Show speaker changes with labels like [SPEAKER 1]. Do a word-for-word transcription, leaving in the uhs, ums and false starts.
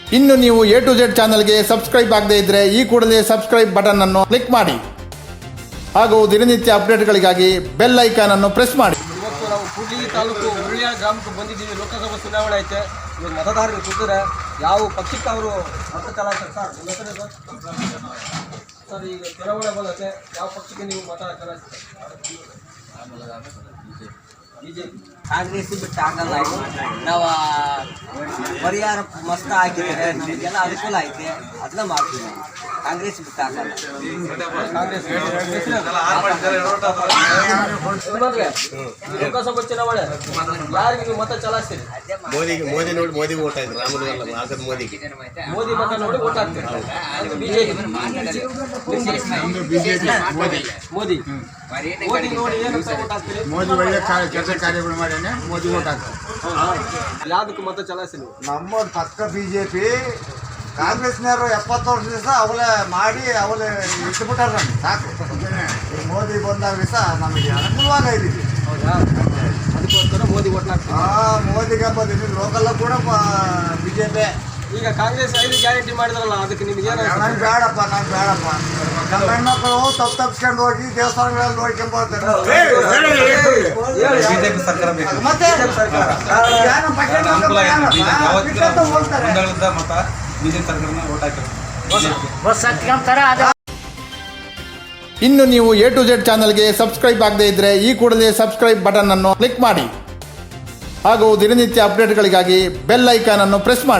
[SPEAKER 1] ಇನ್ನು ನೀವು A to Z ಚಾನಲ್ಗೆ ಸಬ್ಸ್ಕ್ರೈಬ್ ಆಗದೇ ಇದ್ದರೆ ಈ ಕೂಡಲೇ ಸಬ್ಸ್ಕ್ರೈಬ್ ಬಟನ್ ಅನ್ನು ಕ್ಲಿಕ್ ಮಾಡಿ ಹಾಗೂ ದಿನನಿತ್ಯ ಅಪ್ಡೇಟ್ಗಳಿಗಾಗಿ ಬೆಲ್ ಐಕಾನ್ ಅನ್ನು ಪ್ರೆಸ್ ಮಾಡಿ.
[SPEAKER 2] ಇವತ್ತು ನಾವು ಕೂಡ್ಲಿಗಿ ತಾಲೂಕು ಉರುಳಿಯಾಳ ಗ್ರಾಮಕ್ಕೆ ಬಂದಿದ್ದೀವಿ. ಲೋಕಸಭಾ ಚುನಾವಣೆ ಐತೆ. ಇವಾಗ ಮತದಾರರು ಕೂತಿದ್ರೆ ಯಾವ ಪಕ್ಷಕ್ಕೆ ಅವರು ಮತ ಚಲಾಯಿಸ್ತಾರೆ ಸರ್? ನಿಮ್ಮ ಹೆಸರು ಸರ್? ಸರ್ ಈಗ ಚುನಾವಣೆ ಬಂದೈತೆ, ಯಾವ ಪಕ್ಷಕ್ಕೆ ನೀವು ಮತ ಚಲಾಯಿಸ್ತಾರೆ? ಬಿಜೆಪಿ.
[SPEAKER 3] ಕಾಂಗ್ರೆಸ್ ಬಿಟ್ಟು ಆಗಲ್ಲ. ನಾವು ಪರಿಹಾರ ಮಸ್ತ್ ಹಾಕಿದ್ರೆ ನಮಗೆಲ್ಲ ಅನುಕೂಲ ಐತೆ, ಅದನ್ನ ಮಾಡ್ತೀವಿ. ನಾವು ಕಾಂಗ್ರೆಸ್ ಬಿಟ್ಟು ಆಗಲ್ಲ.
[SPEAKER 2] ಕಾಂಗ್ರೆಸ್ ಲೋಕಸಭಾ ಚುನಾವಣೆ ಯಾರಿಗೆ ನೀವು ಮತ ಚಲಾಯಿಸ್ತೀರಿ?
[SPEAKER 4] ಮೋದಿಗೆ ಮೋದಿ ನೋಡಿ ಮೋದಿ ಓಟ್ ಆಯ್ತು. ರಾಮನಿಗೆ ಆಗದ ಮೋದಿಗೆ
[SPEAKER 2] ಮೋದಿ ಮತ ನೋಡಿ ಓಟ್ ಹಾಕ್ತೀರಿ. ಬಿಜೆಪಿ ಮೋದಿ ಮೋದಿ ನೋಡಿ ಏನಂತ ಓಟ್ ಹಾಕ್ತೀರಿ?
[SPEAKER 5] ಮೋದಿ ಒಳ್ಳೆ ಕೆಲಸ ಕಾರ್ಯಗಳು ಮಾಡ್ಯಾನೆ, ಮೋದಿ ಓಟ್ ಹಾಕ್ತಾರೆ.
[SPEAKER 2] ಯಾವ್ದಕ್ಕೆ ಮತ ಚಲಾಯಿಸ್ತೀರಿ?
[SPEAKER 6] ನಮ್ಮ ಪಕ್ಕ ಬಿ ಜೆ ಪಿ. ಕಾಂಗ್ರೆಸ್ನವರು ಎಪ್ಪತ್ತು ವರ್ಷ ದಿವಸ ಅವಲೇ ಮಾಡಿ ಅವಲೇ ಇಟ್ಬಿಟ್ಟಾರ. ನಮ್ಗೆ ಸಾಕು. ಈ ಮೋದಿ ಬಂದಾಗ ದಿವಸ ನಮಗೆ ಅನುಕೂಲವಾಗಿದ್ದೀವಿ.
[SPEAKER 2] ಹೌದಾ? ಅದಕ್ಕೋಸ್ಕರ ಮೋದಿ ಓಟ್ ಹಾಕ್ತೀವಿ.
[SPEAKER 6] ಹಾಂ, ಮೋದಿಗೆ ಬಂದಿದ್ದು ಲೋಕಲ್ ಕೂಡ ಬಿ ಜೆ ಪಿ.
[SPEAKER 2] ಈಗ ಕಾಂಗ್ರೆಸ್ ಐದು ಗ್ಯಾರಂಟಿ ಮಾಡಿದ್ರಲ್ಲ, ಅದಕ್ಕೆ ನಿಮ್ಗೆ ಏನು?
[SPEAKER 6] ನಂಗೆ ಬೇಡಪ್ಪ, ನಂಗೆ ಬೇಡಪ್ಪ. ನಮ್ಮ ಹೆಣ್ಮಕ್ಳು ತಪ್ಪು ತಪ್ಪಿಸ್ಕೊಂಡು ಹೋಗಿ ದೇವಸ್ಥಾನಗಳಲ್ಲಿ ನೋಡ್ಕೊಂಡ್ ಬರ್ತಾರೆ.
[SPEAKER 7] ಬಿಜೆಪಿ ಸರ್ಕಾರ ಬೇಕು.
[SPEAKER 6] ಮತ್ತೆ ಯಾರು ಪಟ್ಟಣ ಹೋಗ್ತಾರೆ.
[SPEAKER 7] ಮತ ಬಿಜೆಪಿ ಸರ್ಕಾರನ ಓಟ್ ಹಾಕಿ.
[SPEAKER 1] ಇನ್ನು ನೀವು ಎ ಟು ಝೆಡ್ ಚಾನಲ್ಗೆ ಸಬ್ಸ್ಕ್ರೈಬ್ ಆಗದೇ ಇದ್ದರೆ ಈ ಕೂಡಲೇ ಸಬ್ಸ್ಕ್ರೈಬ್ ಬಟನ್ ಅನ್ನು ಕ್ಲಿಕ್ ಮಾಡಿ ಹಾಗೂ ದಿನನಿತ್ಯ ಅಪ್ಡೇಟ್ಗಳಿಗಾಗಿ ಬೆಲ್ ಐಕಾನ್ ಅನ್ನು ಪ್ರೆಸ್ ಮಾಡಿ.